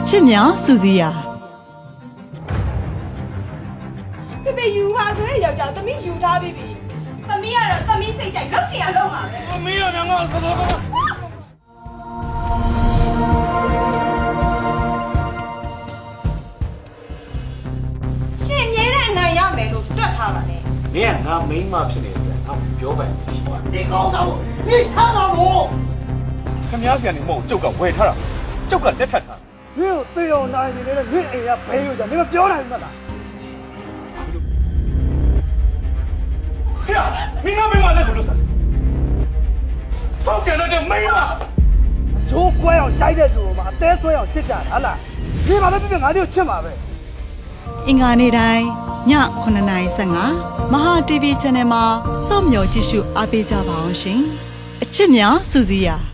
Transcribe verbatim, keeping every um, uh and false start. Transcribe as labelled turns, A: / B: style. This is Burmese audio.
A: ချစ်များစူစီယာ
B: ဖေဖေယူပါဆိုရင်ယောက်ျားသမီးယူထားပြီပြီသမီးကတော့သမီးစိတ်ကြိုက်လောက်ချင်ရလောက်ပါပဲ
C: သမီးရငါငါဆောဆော
B: ရှင်မြဲတဲ့အနိုင်ရမယ်လို့တွက်ထားပါနဲ့
C: မင်းကငါမိန်းမဖြစ်နေတယ်ငါပြောပိုင်ရှိပါ
D: 你搞他我，你唱他我。
C: ခင်ဗျားဆရာနေမဟုတ်ကျုပ်ကဝယ်ထားတာကျုပ်ကလက်ထပ်ထား
D: 你有队友拿你那个你哎呀朋友讲，你们表来嘛啦？
C: ဖေမင်းကမိန်းမလက်ကိုလို့ဆက်တော့ကြတော့မိန်းမ
D: 如果要下一代做嘛，再说要接家他啦，你把那这边俺就吃嘛呗。
A: အင်္ဂါနေ့တိုင်းညခုနှစ်နာရီဆယ့်ငါမဟာ တီ ဗီ Channel မှာစောင့်မျှော်ကြည့်ရှုအားပေးကြပါအောင်ရှင်အချစ်များစူစီယာ